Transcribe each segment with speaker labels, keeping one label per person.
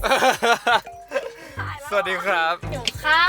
Speaker 1: สวัสดีครับ
Speaker 2: หิวข้าว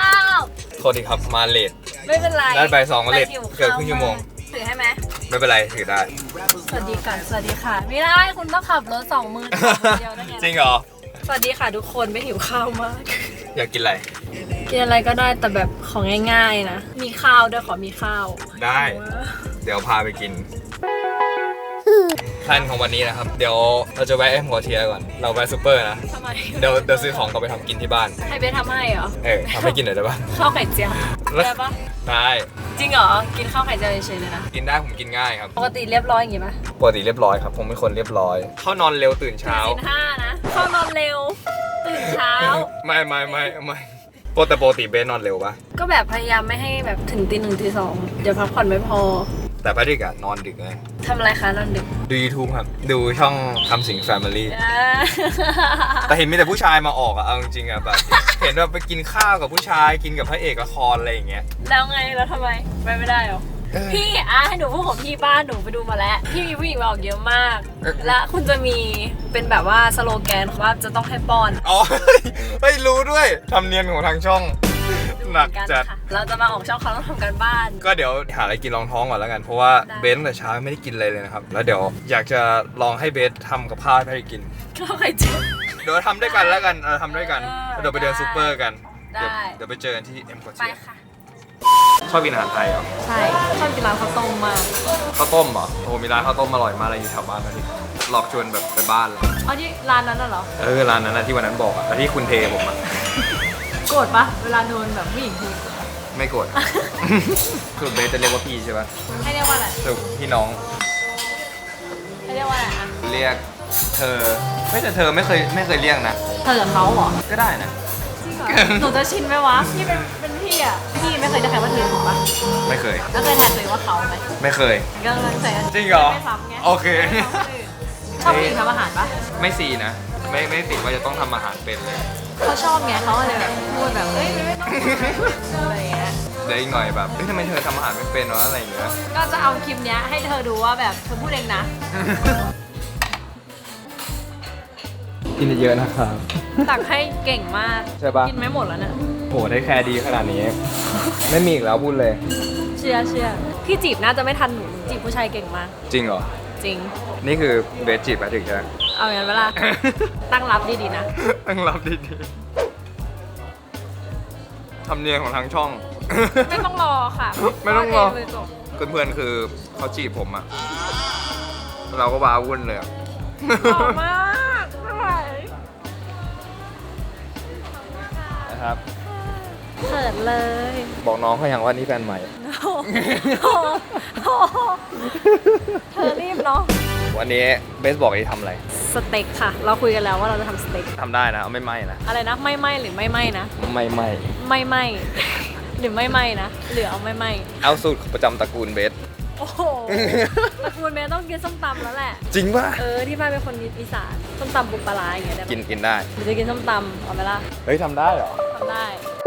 Speaker 1: โทษทีครับมาเลท
Speaker 2: ไม่เป็นไร
Speaker 1: ได้ใบ2ก็เลทเกินครึ่งชั่วโมง
Speaker 2: ถือให้ไหม
Speaker 1: ไม่เป็นไรถือได้
Speaker 2: สวัสดีก่อนสวัสดีค่ะไม่ได้คุณต้องขับรถ2 มือเดียวนะไง
Speaker 1: จริงเหรอ
Speaker 2: สวัสดีค่ะทุกคนไม่หิวข้าวมาก
Speaker 1: อยากกินอะไร
Speaker 2: กินอะไรก็ได้แต่แบบของง่ายๆนะมีข้าวด้วยขอมีข้าว
Speaker 1: ได้ เดี๋ยวพาไปกินแพลนของวันนี้นะครับ เดี๋ยวเราจะแวะเอ็มพอเทียก่อน เราแวะซูเปอร์นะ
Speaker 2: ทำไม
Speaker 1: เดี๋ยวซื้อของกลับไปทำกินที่บ้าน
Speaker 2: ให้เบสทำให้เหรอ
Speaker 1: ทำให้กินหน่อยได้ปะ
Speaker 2: ข้าวไข่เจียวได้ปะ
Speaker 1: ได้
Speaker 2: จริงเหรอกินข้าวไข่เจียวเฉยๆเลยนะ
Speaker 1: กินได้ผมกินง่ายครับ
Speaker 2: ปกติเรียบร้อยอย่างงี้ปะ
Speaker 1: ปกติเรียบร้อยครับ ผมเป็นคนเรียบร้อย เข้านอนเร็วตื่นเช้า
Speaker 2: ศีล5นะเข้านอนเร็วตื่นเช้า
Speaker 1: ไม่แต่ปกติเบสนอนเร็วปะ
Speaker 2: ก็แบบพยายามไม่ให้แบบถึงตี 1 ตี 2เดี๋ยวพักผ่อนไม่พอ
Speaker 1: แต่พระดิกอะนอนดึกไง
Speaker 2: ทำอะไรคะนอนดึก
Speaker 1: ดู YouTube ครับ ดูช่องทำสิง Family แต่เห็นมีแต่ผู้ชายมาออกอะเอาจริงๆอะแบบ เห็นว่าไปกินข้าวกับผู้ชายกินกับพระเอกละครอะไรอย่างเงี้ย
Speaker 2: แล้วไงแล้วทำไมไปไม่ได้หรอ พี่ให้หนูพูดของพี่บ้านหนูไปดูมาแล้วพี่มีผู้หญิงมาออกเยอะมาก และคุณจะมีเป็นแบบว่าสโลแกนว่าจะต้องให้ป้อน
Speaker 1: อ๋อ เฮ้ยรู้ด้วยทำเนียนของทางช่องหนักจัด
Speaker 2: ค่ะเราจะมาออกช่องเขาต้องทำกันบ้าน
Speaker 1: ก็เดี๋ยวหาอะไรกินรองท้องก่อนแล้วกัน เพราะว่า
Speaker 2: ได้
Speaker 1: เบสตั้งแต่เช้าไม่ได้กินอะไรเลยนะครับ แล้วเดี๋ยวอยากจะลองให้เบสทำกับข้าวให้กิน
Speaker 2: ข้าวไข่เจียว
Speaker 1: เดี๋ยวทำด้วยกันแล้วกันทำด้วยกัน
Speaker 2: เออ
Speaker 1: เดี๋ยวไปเดินซูเปอร์กัน
Speaker 2: ได้
Speaker 1: เดี๋ยวไปเจอกันที่เอ็มพอ
Speaker 2: ไป
Speaker 1: เทีย
Speaker 2: ค่ะ
Speaker 1: ชอบกินอาหารไทยเหรอ
Speaker 2: ใช่ชอบกินร้านข้าวต้มมาก
Speaker 1: ข้าวต้มเหรอโอ้มีร้านข้าวต้มอร่อยมากเลยอยู่แถวบ้านนะที่หลอกชวนแบบไปบ้านเลย
Speaker 2: อ๋อที่ร้านนั้นน่ะเหรอ
Speaker 1: ร้านนั้นนะที่วันนั้นบอกอะแล้วที่คุณเทผมอะ
Speaker 2: โกรธปะเวลาโดนแบบผู้หญิงที
Speaker 1: ไม่โกรธ คือเบสจะเรียกว่าพี่ใช่ปะ
Speaker 2: ให้เรียกว่าอะไร
Speaker 1: คือพี่น้อง
Speaker 2: ให้เรียกว่าอะไรอ่ะ
Speaker 1: เรียกเธอไม่แต่เธอไม่เคยเรียกนะ
Speaker 2: เธอกับเขาเหรอ
Speaker 1: ก็ได้นะ
Speaker 2: จริงเหรอหนูจะชินไหมวะพี่เป็นพี่อ่ะพี่ไม่เคยจะใครว่าเธอถูกปะ
Speaker 1: ไม่เคย
Speaker 2: แล้วเคยแทนตัวเองว่าเขาไหม
Speaker 1: ไม่เคย
Speaker 2: ก็เลยใส่
Speaker 1: จริงเหรอ
Speaker 2: ไม่ซ้ำไง
Speaker 1: โอเค
Speaker 2: ชอบผู้หญิงทำอาหารปะ
Speaker 1: ไม่ซีนะ ไม่ติดว่าจะต้องทำอาหารเป็นเลย
Speaker 2: เขาชอบไงเขาก็เลยแบบพูดแบบเอ้ยไม่ต้องอะไรอย่างเงี้ย
Speaker 1: เดี๋ยวอีกหน่อยแบบทำไมเธอทำอาหารไม่เป็นวะอะไรอย่างเงี้ย
Speaker 2: ก็จะเอาคลิปเนี้ยให้เธอดูว่าแบบเธอพูดเองนะ
Speaker 1: กินเยอะนะครับ
Speaker 2: ตักให้เก่งมาก
Speaker 1: ใช่ปะ
Speaker 2: กินไม่หมดแล้วเนี่ย
Speaker 1: โหได้แคร์ดีขนาดนี้ ไม่มีอีกแล้วพูดเลย
Speaker 2: เชื่อพี่จีบน่าจะไม่ทันหนูจีบผู้ชายเก่งมาก
Speaker 1: จริงเหรอ
Speaker 2: จริง
Speaker 1: นี่คือเบสจีบมาถึงใช่ไหม
Speaker 2: เอาอย่างนั้นเวลา ตั้งรับดีๆนะ
Speaker 1: ต้องรับดีๆทำเนียงของทางช่อง
Speaker 2: ไม่ต้องรอค่ะ
Speaker 1: ไม่ต้องรอ
Speaker 2: วาดเเลยจบ
Speaker 1: เพื่อนๆคือเขาจีบผมอะเราก็ว้าวุ่นเลยอะ
Speaker 2: หล่อมากไม่ไหว
Speaker 1: นะครับ
Speaker 2: เขินเลย
Speaker 1: บอกน้องเขาอย่างว่านี่แฟนใหม่
Speaker 2: โอ้โหเธอรีบเนาะ
Speaker 1: วันนี้เบสบอกจะทำอะไร
Speaker 2: สเต็กค่ะ เราคุยกันแล้วว่าเราจะทำสเต็ก
Speaker 1: ทำได้นะเอาไม่ไหม้นะ
Speaker 2: อะไรนะไม่ไหมหรือไม่ไหมนะ
Speaker 1: ไม่ไหม้
Speaker 2: ไม่ไหมหรือไม่ไหมนะหรือเอาไม่ไหม
Speaker 1: เอาสูตรประจำตระกูลเบส
Speaker 2: โอ้โหตระกูลแม่ต้องกินส้มตำแล้วแหละ
Speaker 1: จริงป่ะ
Speaker 2: ที่บ้านเป็นคนอีสานส้มตำปูปลาร้าอย่างเงี้ยได้ปะ
Speaker 1: กินได้
Speaker 2: หรือจะกินส้มตำเอาไหมล่ะ
Speaker 1: เฮ้ยทำได้เหรอ
Speaker 2: ทำได้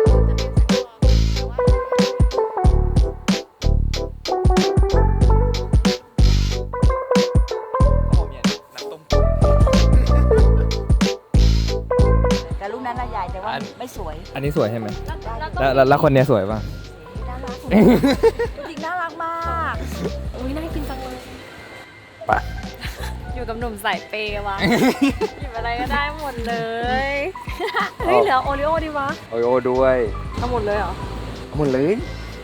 Speaker 3: แต่ลูกนั้นน่ะใหญ่แต่ว่าไม่สวย
Speaker 1: อันนี้สวยใช่ไหม
Speaker 2: แล้ว
Speaker 1: แล้วคนเนี้ยสวยป่ะ
Speaker 3: น่ารักจริงน่ารักมาก
Speaker 2: อุ้ยน่ากินจังเลย
Speaker 1: ไป
Speaker 2: อยู่กับหนุ่มสายเปย์วะหยิบอะไรก็ได้หมดเลย เฮ้ยเหลือโอริโอดีวะ
Speaker 1: โอโอด้วย
Speaker 2: เอาหมดเลยเหรอ
Speaker 1: หมดเลย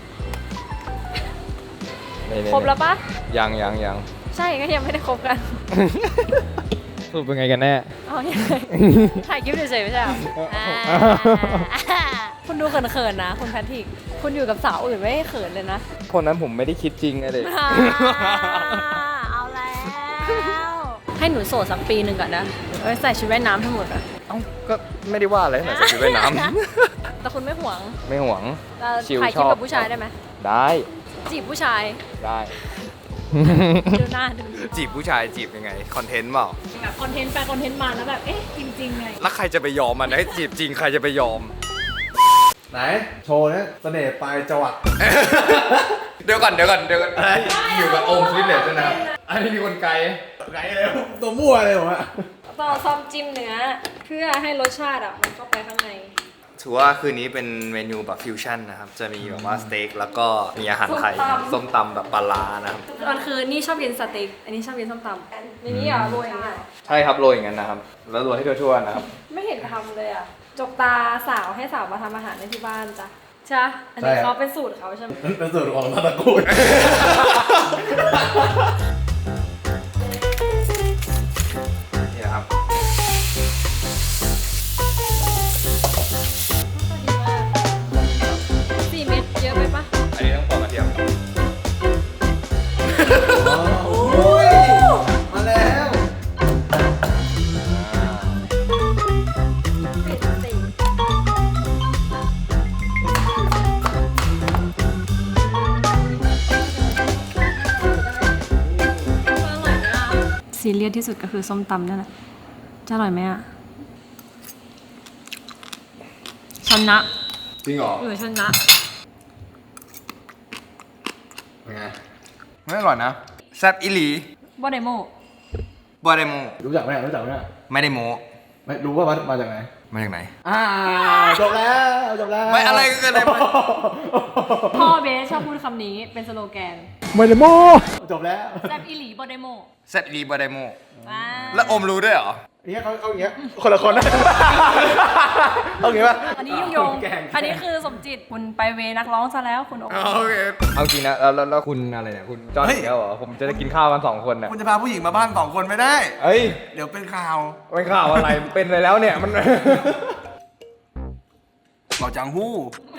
Speaker 1: นี่ๆๆ
Speaker 2: ครบแล้วปะ
Speaker 1: ยัง
Speaker 2: ใช่ก็ยังไม่ได้ครบกัน
Speaker 1: สรุปเป็นไงกันแน่
Speaker 2: เอายังไงถ่ายคลิปเฉยๆไม่ใช่เหรออ่าคุณดูเขินๆนะ คุณแพทริก คุณอยู่กับสาวอื่นไม่ให้เขินเลยนะ
Speaker 1: คนนั้นผมไม่ได้คิดจริงอะเด็ก
Speaker 2: เอาแล้ว ให้หนูโสดสักปีหนึ่งก่อนนะใส่ชุดว่ายน้ำทั้งหมดอะ
Speaker 1: เอ้าก็ไม่ได้ว่าอะไรนะจะไปว่ายน้
Speaker 2: แต่คุณไม่หวง
Speaker 1: ำ ไม่ห่วง
Speaker 2: เรา
Speaker 1: ชิล
Speaker 2: ถ่ายคลิป
Speaker 1: ชอบ
Speaker 2: กับผู้ชายได้ไหม
Speaker 1: ได้
Speaker 2: จีบผู้ชาย
Speaker 1: ได้
Speaker 2: ดูหน้าดู
Speaker 1: จีบผู้ชายจีบยังไง คอนเทนต์เปล่า
Speaker 2: แบบคอนเทนต์ไปคอนเทนต์มาแล้วแบบเอ๊ะจริงๆไง
Speaker 1: แล้วใครจะไปยอมมันให้จีบจริงใครจะไปยอม ไหน โชว์นะเสน่ห์ปลายจวัก เดี๋ยวก่อนอยู่กับโอมฟิตเนสด้วยนะครับอันนี้มีคนไกลเลยตัวมั่วเลยผมอะ
Speaker 2: ต่อซอมจิ้มเนื้อเพื่อให้รสชาติอ่ะมันเข้าไปข้างใน
Speaker 1: ถือว่าคืนนี้เป็นเมนูแบบฟิวชั่นนะครับจะมีแบบว่าสเต็กแล้วก็มีอาหารไทยส้มตำแบบปลาร้านะครับ
Speaker 2: ตอนคืนนี่ชอบกินสเต็กอันนี้ชอบกินส้มตำอันนี้อ่ะโรยอย่างเงี้ย
Speaker 1: ใช่ครับโรยอย่างนั้นนะครับแล้วโรยให้ทั่วๆนะครับ
Speaker 2: ไม่เห็นทำเลยอ่ะจกตาสาวให้สาวมาทำอาหารในที่บ้านจ้ะใช่อันนี้เขาเป็นสูตรเขาใช่ไหม
Speaker 4: เป็นสูตรของตระกูล
Speaker 1: นี่นะครับ
Speaker 2: ดีมาก4 เม็ดเยอะไปปะ
Speaker 1: อันนี้ต้องปอกกระเทียม
Speaker 4: มาแล้ว
Speaker 2: ปิดสิซีเรียสที่สุดก็คือส้มตำนั่นแหละจะอร่อยไหมอ่ะชนะ
Speaker 1: จริงเหรอ
Speaker 2: หรือชนะ
Speaker 1: เป็นไงไม่อร่อยนะแซ่บอิลี
Speaker 2: บอดเดโม
Speaker 1: บอได้โม
Speaker 4: รู้จักไหมรู้จักไหม
Speaker 1: ไม่ได้โม
Speaker 4: ไม่รู้ว่ามาจากไหน
Speaker 1: มาจากไหน
Speaker 4: จบแล้วจบแล้ว
Speaker 1: ไม่อะไรกันเลย
Speaker 2: พ่อเบสชอบพูดคำนี้เป็นสโลแกน
Speaker 4: ไม่ได้โมจบแล้ว
Speaker 2: แซบอีหลีบอดเดโม
Speaker 1: แซ่บอิลีบอได้โม
Speaker 2: ว้า
Speaker 1: แล้วอมรู้ด้วยเหรอ
Speaker 4: เนี่ยเขาอย่างเงี้ยคนละคนนะเอาอย่างงี้ป่ะ
Speaker 2: อันนี้ยุ่งยงอันนี้คือสมจิตคุณไปเวนักร้องซะแล้วคุณโอ๊ค
Speaker 1: โอเคเอาจริงนะแล้วคุณอะไรเนี่ยคุณจอห์นอีกแล้วเหรอผมจะได้กินข้าวกัน2 คนน่ะ
Speaker 4: คุณจะพาผู้หญิงมาบ้าน2 คนไม่ได้
Speaker 1: เอ้ย
Speaker 4: เดี๋ยวเป็นข่าว
Speaker 1: ไม่ข่าวอะไรเป็นไปแล้วเนี่ยมัน
Speaker 4: เราจังหู้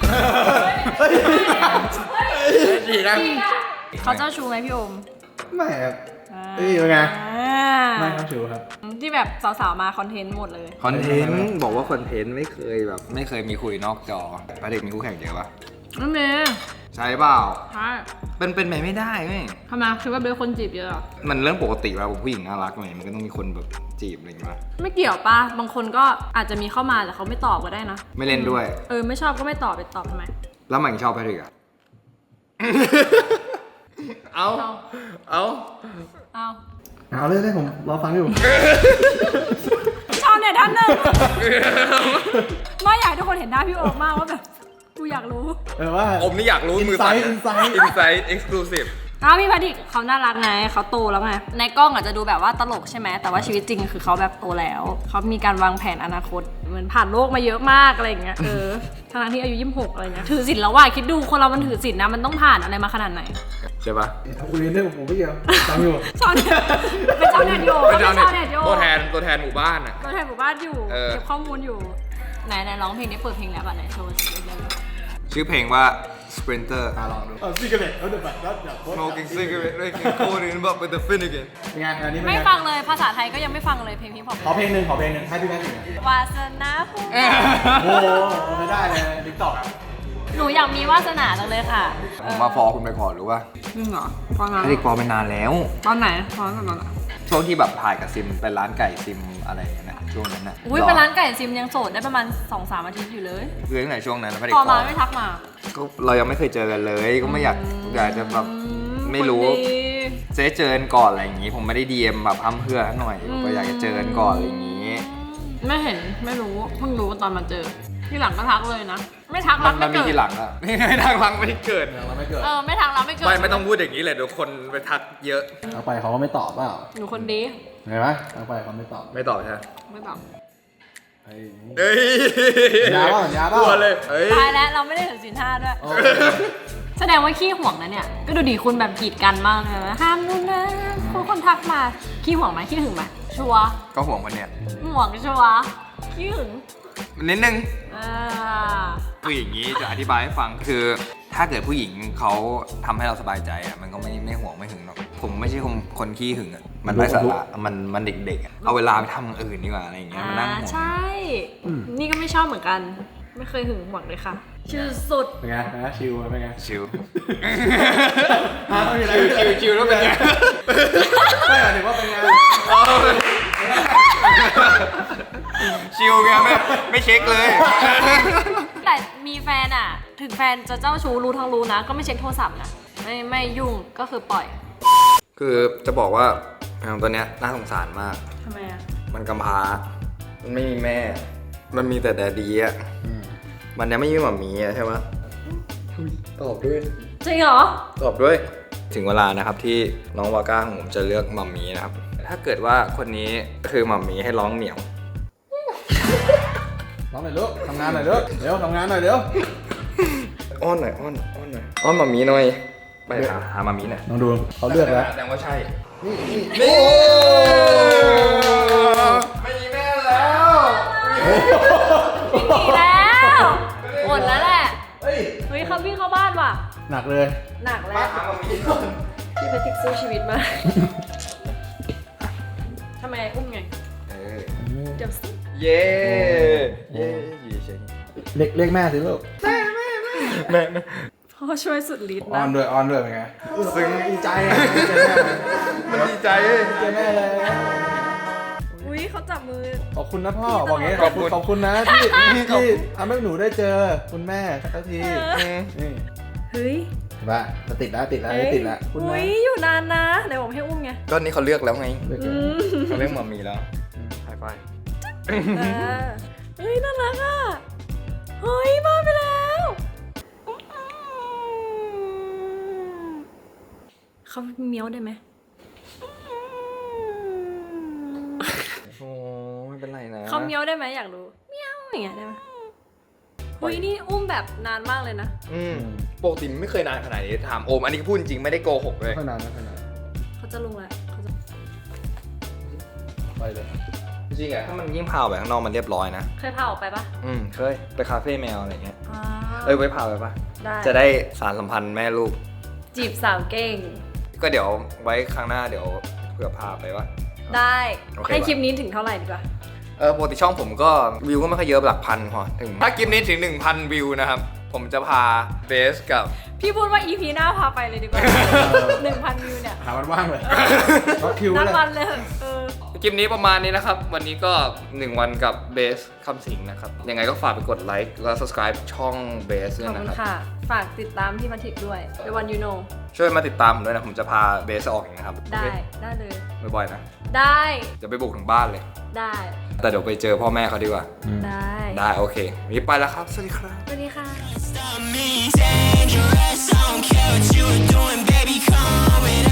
Speaker 1: ดีนะ
Speaker 2: เขาเจ้าชูไหมพี่โอม
Speaker 4: ไม่ครับเอ้ยเป็นไง
Speaker 2: อ่า
Speaker 4: ไม่ครับชิวครับ
Speaker 2: ที่แบบสาวๆมาคอนเทนต์หมดเลย
Speaker 1: คอนเทนต์บอกว่าคอนเทนต์ไม่เคยแบบไม่เคยมีคุยนอกจอพระเด็กมีคู่แข่งเยอะปะ
Speaker 2: นั่นเอง
Speaker 1: ใช่เปล่า
Speaker 2: ใช่
Speaker 1: เป็นไปไม่ได้ไหม
Speaker 2: ทำไมคิดว่าเบสคนจีบเยอะเหรอ
Speaker 1: มันเรื่องปกติแล้วผู้หญิงน่ารักไงมันก็ต้องมีคนแบบจีบอะไรอย่างเงี้ย
Speaker 2: ไม่เกี่ยวป่ะ บางคนก็อาจจะมีเข้ามาแต่เขาไม่ตอบก็ได้นะ
Speaker 1: ไม่เล่นด้วย
Speaker 2: ไม่ชอบก็ไม่ตอบไปตอบทำไม
Speaker 1: แล้วมันชอบแพทริกอะ เอา
Speaker 2: เอา
Speaker 4: เอาเลยผมรอฟังอยู่
Speaker 2: ชอบเนี่ยท่านหนึ่งไม่อยากให้ทุกคนเห็นหน้าพี่โอมมากว่าแบบกูอยากรู้
Speaker 4: ว่า
Speaker 1: อมนี่อยากรู้มือสั่น
Speaker 4: Insight
Speaker 1: Insight Exclusive
Speaker 2: พี่พดิกเขาน่ารักไงเขาโตแล้วไงในกล้องอาจจะดูแบบว่าตลกใช่ไหมแต่ว่าชีวิตจริงคือเขาแบบโตแล้วเขามีการวางแผนอนาคตเหมือนผ่านโลกมาเยอะมากอะไรอย่างเงี้ยทั้งที่อายุ26อะไรเงี้ยถือศีลแล้วว่าคิดดูคนเรามันถือศีลนะมันต้องผ่านอะไรมาขนาดไหน
Speaker 1: ใช่ปะ
Speaker 4: คุยเรื่องผมไม่เกี่ยวฟังอยู่
Speaker 2: ชาวเน็ตเป็นชาวเน็ตโย
Speaker 1: เป็นชาว
Speaker 2: ชาวเน็
Speaker 1: เน็
Speaker 2: ต
Speaker 1: ต
Speaker 2: โย
Speaker 1: ตัวแทนหมู่บ้านอะ
Speaker 2: ตัวแทนหมู่บ้านอยู่
Speaker 1: เออ
Speaker 2: เก็บข้อมูลอยู่ไหนร้องเพลงนี้เปิดเพลงแล้วป่ะไหนโชว์สิ
Speaker 1: ชื่อเพลงว่า Sprinter
Speaker 4: ลองดูซิกเกอร์เล็ตเดี๋ยวแบบแล้วเดี๋ยว
Speaker 1: Smoking cigarette drinking cold in but with the Finnegan
Speaker 4: เป็นไงอันนี้เป็น
Speaker 2: ไม่
Speaker 4: ไง
Speaker 2: ฟังเลยภาษาไทยก็ยังไม่ฟังเลยเพลงพี่ผม
Speaker 4: ขอเพลงหนึ่งให้พี่แม่ถึง
Speaker 2: วาสนาผู้
Speaker 4: โอ้ไม่ได้เลยดิ๊กตอกอ่ะ
Speaker 2: หนูอยากมีวาสนาจังเลยค่ะ
Speaker 1: ผมมาฟอคุณไปก่อนหรือว่า
Speaker 2: จริงเหรอตอนไหน
Speaker 1: แพทริกฟอไปนานแล้ว
Speaker 2: ตอนไหนตอนไหน
Speaker 1: ช่วงที่แบบถ่ายกับซิมเป็นร้านไก่ซิมอะไรอย่างเงี้ยนะช่วงนั้นน่ะ
Speaker 2: อุ้ยเป็นร้านไก่ซิมยังโสดได้ประมาณ 2-3 อาทิตย์อยู่เลย
Speaker 1: คือตั้งแต่ช่วงนั้นแพทริก
Speaker 2: พ
Speaker 1: ฟ
Speaker 2: อ
Speaker 1: อ
Speaker 2: มาไม่ทักมา
Speaker 1: ก็เรายังไม่เคยเจอกันเลย ก็ไม่อยากจะแบบไม่รู้
Speaker 2: คนดี
Speaker 1: เจ๊เจอกันก่อนอะไรอย่างงี้ ผมไม่ได้ดีเอ็มแบบอ้ำเพื่อหน่อยผมก็อยากจะเจอกันก่อนอะไรอย่างงี้
Speaker 2: ไม่เห็นไม่รู้เพิ่งรู้ตอนมาเจอที่หลังก็ทักเลยนะ ไม่ทักรัก
Speaker 1: มั
Speaker 2: ไม่
Speaker 1: นมี
Speaker 2: เกิด
Speaker 1: ทีหลังอะ ไม่ทักหลังไม่เกิด
Speaker 4: เราไม่เกิด
Speaker 2: ไม่ทักรักไม่เกิด
Speaker 1: ไม่ต้องพูดอย่างนี้เลยเดี๋ยวคนไปทักเยอะ
Speaker 4: เอาไปเขาก็ไม่ตอบเปล่า
Speaker 2: หนูคนดี
Speaker 4: เห็นไหมเอาไปเขาไม่ตอบ
Speaker 1: ไม่ตอบใช่ไหม
Speaker 2: ไม่ตอบ
Speaker 4: เฮ้ย
Speaker 1: เฮ้ย
Speaker 4: ยาเปล่ายาเปล่า
Speaker 1: กลัวเลยเฮ้ย
Speaker 2: ตายแล้วเราไม่ได้ถือศีล5ด้วย
Speaker 4: โอ้
Speaker 2: แสดงว่าขี้ห่วงนะเนี่ย ก็ดูดีคุณแบบกีดกันมากเลยนะห้ามนู่นนะคนทักมาขี้ห่วงไหมขี้หึงไหมชัวร์
Speaker 1: ก็ห่วงคนเนี้ย
Speaker 2: ห่วงชัวร์ขี้หึง
Speaker 1: นิดนึง
Speaker 2: อ่า
Speaker 1: คืออย่างนี้จะอธิบายให้ฟังคือถ้าเกิดผู้หญิงเขาทำให้เราสบายใจอ่ะมันก็ไม่ห่วงไม่หึงหรอกผมไม่ใช่คนขี้หึงอ่ะมันไร้สาระมันเด็กๆอะเอาเวลาไปทำอย่างอื่นดีกว่าอะไรอย่างเงี้ยมานั่งห่วง
Speaker 2: ใช่ นี่ก็ไม่ชอบเหมือนกัน ไม่เคยหึงหวงเลยค่ะ ชื่อสุด
Speaker 4: เป็นไงนะชิวเป็นไง
Speaker 1: ชิว
Speaker 4: ไม่มีอะไร
Speaker 1: ชิวแล้วเป็นไง
Speaker 4: ไม่หมายถึงว่าเป็นไง
Speaker 1: ชิวไงไม่เช็คเลย
Speaker 2: แต่มีแฟนอ่ะ ถึงแฟนจะเจ้าชู้รู้ทั้งรู้นะ ก็ไม่เช็คโทรศัพท์นะ ไม่ยุ่งก็คือปล่อย
Speaker 1: คือจะบอกว่าแมวตัวเนี้ยน่าสงสารมาก
Speaker 2: ทำไมอ่ะ
Speaker 1: หมมันกำพร้า มันไม่มีแม่ มันมีแต่แดดดี้อ่ะมันยังไม่มีหม่ามีอ่ะใช่ไหมตอบด้วย
Speaker 2: จริงเหรอ
Speaker 1: ตอบด้วย ถึงเวลานะครับที่น้องวาก้าของผมจะเลือกหม่ามีนะครับ ถ้าเกิดว่าคนนี้คือหม่ามีให้ร้องเหมียว
Speaker 4: น้องหน่อยลูกทำงานหน่อยลูกเร็วทำงานหน่อยเร็ว
Speaker 1: อ้อนหน่อยอ้อนหน่อยอ้อนหม่ามีหน่อยไปหาหม่ามีหน่อย
Speaker 4: น้องดูเขาเลือกแล้ว
Speaker 1: แสดงว่าใช่
Speaker 4: นี่
Speaker 1: ไม่มีแม่แล้ว
Speaker 2: พี่หนีแล้วหมดแล้วแหละ
Speaker 4: เฮ้ย
Speaker 2: เฮ้ยเขาวิ่งเข้าบ้านว่ะ
Speaker 4: หนักเลย
Speaker 2: หนัก
Speaker 1: มา
Speaker 2: แล้ว
Speaker 1: หาหม่ามีก่อน
Speaker 2: พี่แพทริกสู้ชีวิตมากทำไมอุ้มไง เดี๋ยวสิ
Speaker 1: เย้เย้เฉย
Speaker 4: เรียกแม่สิลูก
Speaker 1: แม่
Speaker 2: พ่อช่วยสุดฤทธิ์
Speaker 4: ออ
Speaker 2: นะ
Speaker 4: นด้วยเป็นไง
Speaker 1: ซึ้ง
Speaker 4: ดีใจอ่ะ
Speaker 1: มันดีใจเลย
Speaker 4: เจอแม่เลย
Speaker 2: อุ้ยเขาจับมือ
Speaker 4: ขอบคุณนะพ่อบอกงี้ขอบคุณนะที่ทำให้หนูได้เจอคุณแม่สักทีนี่
Speaker 2: เฮ้ย
Speaker 4: ว่าติดแล้วคุณ
Speaker 2: อุ้
Speaker 4: แม่
Speaker 2: ยอยู่นานนะไหนบอกให้อุ้มไง
Speaker 1: ก็นี่เขาเลือกแล้วไง
Speaker 4: เลือก
Speaker 2: อืม
Speaker 1: เขาเลือกหม่ามีแล้วไฮไฟ
Speaker 2: เฮ้ยน่ารักอ่ะ เฮ้ยมาไปแล้วเขาเมี้ยวได้ไหม
Speaker 1: โอ้ไม่เป็นไรนะ
Speaker 2: เขาเมี้ยวได้ไหมอยากรู้เมี้ยวอย่างเงี้ยได้ไหมเฮ้ยนี่อุ้มแบบนานมากเลยนะ
Speaker 1: ปกติไม่เคยนานขนาดนี้ถามโอมอันนี้พูดจริงไม่ได้โกหกเลย
Speaker 4: ขนาด
Speaker 2: เขาจะลงแล้วเขาจะ
Speaker 4: ไปเลย
Speaker 1: จริงอะถ้ามันยิ่งพาไปข้างนอกมันเรียบร้อยนะ
Speaker 2: เคยพาออกไปปะ
Speaker 1: เคยไปคาเฟ่แมวอะไรเงี้ย
Speaker 2: อ่า
Speaker 1: ไว้พาไปปะ
Speaker 2: ได้
Speaker 1: จะได้สารสัมพันธ์แม่ลูก
Speaker 2: จีบสาวเก่ง
Speaker 1: ก็เดี๋ยวไว้ครั้งหน้าเดี๋ยวเผื่อพาไปวะ
Speaker 2: ได้
Speaker 1: โอเค
Speaker 2: ให้คลิปนี้ถึงเท่าไหร่ดีกว่า
Speaker 1: ปกติช่องผมก็วิวก็ไม่ค่อยเยอะหลักพันพอถึงถ้าคลิปนี้ถึง 1,000 วิวนะครับ ผมจะพาเบสกับ
Speaker 2: พี่พูดว่า EP หน้าพาไปเลยดีกว่า 1,000 วิวเนี่ย
Speaker 4: หาวันว่างเลยล็อกคิว
Speaker 2: นัด
Speaker 4: เลย
Speaker 2: วันเลยเออ
Speaker 1: คลิปนี้ประมาณนี้นะครับ วันนี้ก็ 1 วันกับเบสคำสิงนะครับ ยังไงก็ฝากไปกดไลค์แล้ว subscribe ช่องเบสด้ว
Speaker 2: ข
Speaker 1: ย
Speaker 2: อบ
Speaker 1: นะ
Speaker 2: คุณ
Speaker 1: ครับ
Speaker 2: ค่ะ ฝากติดตามพี่มาทิกด้วย The One You Know
Speaker 1: ช่วยมาติดตามผมด้วยนะ ผมจะพาเบสออกเองนะครับ
Speaker 2: ได้
Speaker 1: โอเค
Speaker 2: ได้เลย
Speaker 1: บ่อยๆนะ
Speaker 2: ได้
Speaker 1: จะไปบุกถึงบ้านเลย
Speaker 2: ได้
Speaker 1: แต่เดี๋ยวไปเจอพ่อแม่เขาดีกว่า
Speaker 2: ได้
Speaker 1: ได้โอเควันนี้ไปแล้วครับ สวัสดีครับ
Speaker 2: สวัสดีค่ะ
Speaker 5: Stop me dangerous. I don't care what you were doing, baby. Come with